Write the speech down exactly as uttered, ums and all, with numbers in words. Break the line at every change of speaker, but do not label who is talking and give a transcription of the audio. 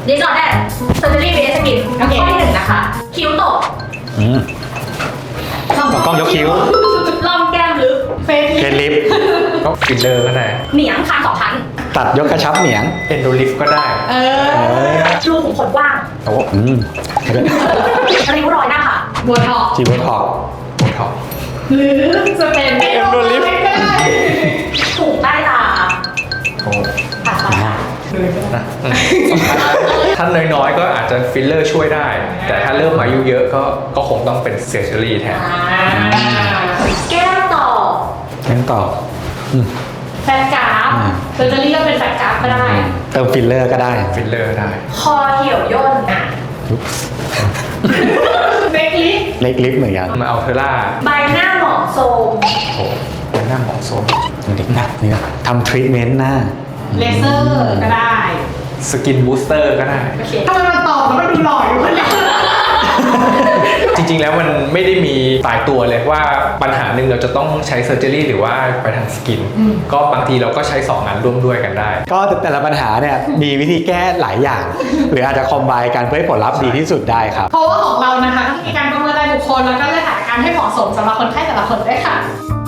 ดิสออเดอร์เซอร์เจอรี่เบสกินข้อที่หนึ่งนะคะคิ้วตก
อืมกล้องยกคิ้ว
ล่องแก้มลึกเฟซ
เกนลิฟ
ก็ฟิลเลอร์ก็ได้
เหนียงคางสองชั้น
ตัดยกกระชับเหนียง
เอนโดลิฟก็ได้
เออรูขุมขนกว้าง
โอ้
อืม
ริ้วรอยหน้าค่ะบัวทอง
จีโบท็อก
โหท็อป
หรือจะเป็น
เอ็มโดลิฟ
ก็ได้ถูกใต้ตา
โอ้
ผ่าตัดค่ะ
นะอืมถ้าน้อยๆก็อาจจะฟิลเลอร์ช่วยได้ แต่ถ้าเริ่มอายุเยอะก็ก็คงต้องเป็นเซอร์เจอรี่แทน
อ่าแก้มต่อ
ยังต่ออืม
แฟนกราฟเซอร์เจอรี่ก็เป็นแฟนกราฟก็ได้
เติมฟิลเลอร์ก็ได้
ฟิลเลอร์ได้
คอเหี่ยวย่นอ่ะเบกลิฟ
เล็กลิฟเหมือนกัน
มาเอาเทอร่า
ใบหน้าหมองโทรม
โอ้เป็นหน้าหมองโซม
เด็กหนักนี่ทำทรีทเมนต์หน้า
เลเซอร์ก็ได้
สกินบูสเตอร์ก็ได้
โอเคทำไมมันตอบแล้วมันดูหล่ออยู่คนเดียว
จริงๆ แล้วมันไม่ได้มีตายตัวเลยว่าปัญหาหนึ่งเราจะต้องใช้เซอร์เจอรี่หรือว่าไปทางสกิน ก็บางทีเราก็ใช้สองงานร่วมด้วยกันได้
ก็แต่ละปัญหาเนี่ยมีวิธีแก้หลายอย่าง หรืออาจจะคอมไบกันเพื่อให้ผลลัพธ์ดีที่สุดได้ครับ
เพราะว่าของเรานะคะก็มีการประเมินรายบุคคลแล้วก็เลือกหาการให้เหมาะสมสำหรับคนไข้แต่ละคนด้วยค่ะ